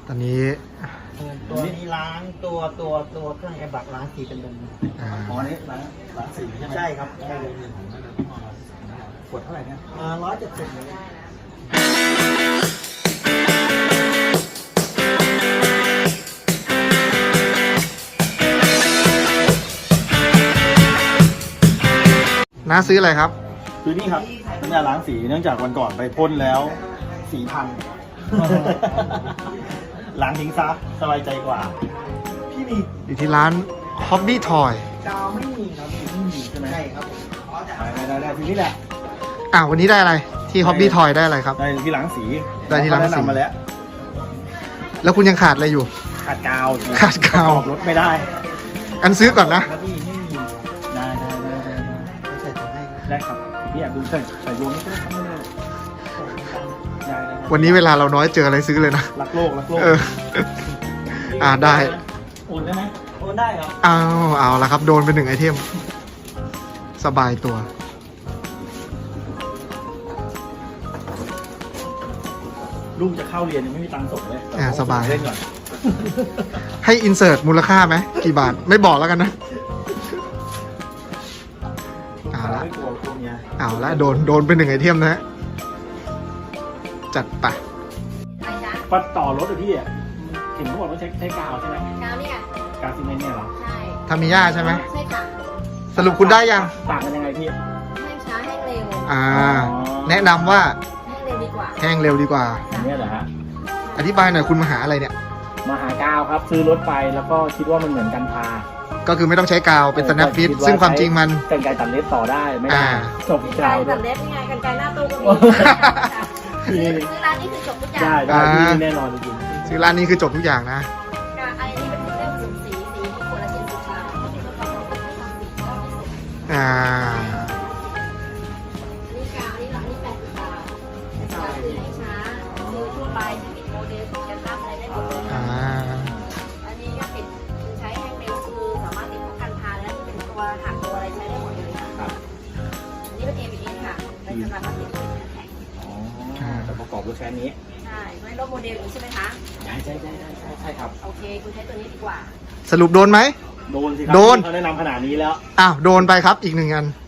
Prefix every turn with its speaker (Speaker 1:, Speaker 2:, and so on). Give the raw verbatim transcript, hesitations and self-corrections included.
Speaker 1: ตอนนี้
Speaker 2: ตัวนี้ล้างตัวตัวตัวเครื่องแอร์บักล้างสีเป็นเดิม
Speaker 1: อ่า
Speaker 3: อ๋อนี่ร้านร้านสีใช่ไหม
Speaker 2: ใช่ครับใช่
Speaker 3: ขวดเท่าไหร่เนี่ย
Speaker 2: อ่าร้อยเจ็ดสิบ
Speaker 1: น้าซื้ออะไรครับ
Speaker 3: คือนี่ครับน้ำยาล้างสีเนื่องจากวันก่อนไปพ่นแล้วสีพัง ล้างทิ้งซะสบายใจกว่า พี่มี
Speaker 1: อยู่ที่ร้าน Hobby Toy
Speaker 2: กาวไม่มีครับ
Speaker 3: ไม่มีใช่ไหม
Speaker 2: ใช่ครับ
Speaker 3: ได้ได้ได้ทีนี้แหละ
Speaker 1: อ่าวันนี้ได้อะไรที่ Hobby Toy ได้อะไรครับ
Speaker 3: ได้ที่ล้างสี
Speaker 1: ได้ที่ล้างสี
Speaker 3: แนะนำมาแล้ว
Speaker 1: แล้วคุณยังขาดอะไรอยู่
Speaker 3: ขาดกาว
Speaker 1: ขาดกาว
Speaker 3: รถไม่ได้
Speaker 1: อันซื้อก่อนนะ
Speaker 3: ครับพี่ไม่มีได้ได้ได้ได้
Speaker 2: ใส่ถุงให้ครับ
Speaker 3: ได้ครับพี่อยากดูใส่ใส่รวมไม่ได้ครับไม่ได้ได้ได้
Speaker 1: วันนี้เวลาเราน้อยเจออะไรซื้อเลยนะ
Speaker 3: รักโลกรักโลก
Speaker 1: เออ อ่าได้
Speaker 3: โอนได้ไหม
Speaker 2: โอนได้ครับ
Speaker 1: เอาเอาละครับ โดนไปหนึ่งไอเทม สบายตัว
Speaker 3: ลูกจะเข้าเรียนยังไม่มีตังค์ส่งเลย
Speaker 1: อ่าสบาย
Speaker 3: เล่นก่อน
Speaker 1: ให้อินเสิร์ตมูลค่าไหมกี่บาท ไม่บอกแล้วกันนะ เอาละ
Speaker 3: ไม่กลัวกลัวเมีย
Speaker 1: เอาละโดนโดนไปหนึ่งไอเทมนะฮะ จัดไป
Speaker 4: อะไรจ๊ะ
Speaker 3: ปัดต่อรถอะพี่อ่ะเห็นเขาบอกว่าใช้ใช้กาวใช่ไหม
Speaker 4: กาวเนี่ย
Speaker 3: กาวซีเมนต์เนี่ยเหรอ
Speaker 4: ใช่
Speaker 1: ทามิย่าใช่ไหม
Speaker 4: ใช่ค่ะ
Speaker 1: สรุปคุณได้ยัง
Speaker 3: ต่างกันยังไงพี่
Speaker 4: แห้งช้าแห้งเร็ว
Speaker 1: อ่า แนะนำว่า
Speaker 4: แห้งเร็วดีกว่า
Speaker 1: แห้งเร็วดีกว่า
Speaker 3: อันเนี้ยเหรอฮะ
Speaker 1: อธิบายหน่อยคุณมาหาอะไรเนี่ย
Speaker 3: มาหากาวครับซื้อรถไปแล้วก็คิดว่ามันเหมือนกันพา
Speaker 1: ก็คือไม่ต้องใช้กาวเป็น snap fit ซึ่งความจริงมัน
Speaker 3: กันไกรตัดเล็บต่อได้ไม่ได้
Speaker 1: อ่า
Speaker 3: จบ
Speaker 4: กัน
Speaker 3: กาว
Speaker 4: ไกร
Speaker 3: ด้
Speaker 4: ตั
Speaker 3: ว
Speaker 4: ด
Speaker 3: ย
Speaker 4: เล็บยังไงกันไกรหน้าตู้ก็มี
Speaker 3: นี่
Speaker 4: ซื้อร้านนี้คือจบทุกอย่าง
Speaker 3: ได้ได้
Speaker 1: อ่า
Speaker 3: พี่แน่นอนจริง
Speaker 1: ซื้อร้านนี้คือจบทุกอย่างนะ
Speaker 4: กาไอ้นี่เป็นเรื่องสีสีสีที่ขวดละเจ็ดสิบบาทที่เป็นกระป๋องที่ทำสีก็ไม่สุด
Speaker 1: อ่า
Speaker 4: อันนี้กาวอันนี้หลังนี่แปดสิบบาทกาวคือให้ช้าคือทั่วไปที่ปิดโมเดลติดกันตามอะไรได้หมดเลย
Speaker 1: อ่า
Speaker 4: อันนี้ก็ปิดคือใช้แห้งเร็วคือสามารถติดพวกกันพาและที่เป็นตัวหักตัวอะไรใช้ได้หมดเลยค่ะ
Speaker 3: ครับ
Speaker 4: อันนี้เป็นเอ บี เอส ค่ะเป็นสำหรับติดเป็นแข็ง
Speaker 3: อ๋อแต่ประกอบด้วยแค่นี้
Speaker 4: ใช่ไม่รถโมเดลอย่างนี้ใช่ไหมคะ
Speaker 3: ใช่ใช่ใช่ใช่ใช่ใช่ครับ
Speaker 4: โอเค คุณใช้ตัวนี้ดีกว่า
Speaker 1: สรุปโดนไหม
Speaker 3: โดนสิครั
Speaker 1: โดน
Speaker 3: เขาแนะนำขนาดนี้แล้ว
Speaker 1: อ้าว โดนไปครับอีกหนึ่งอัน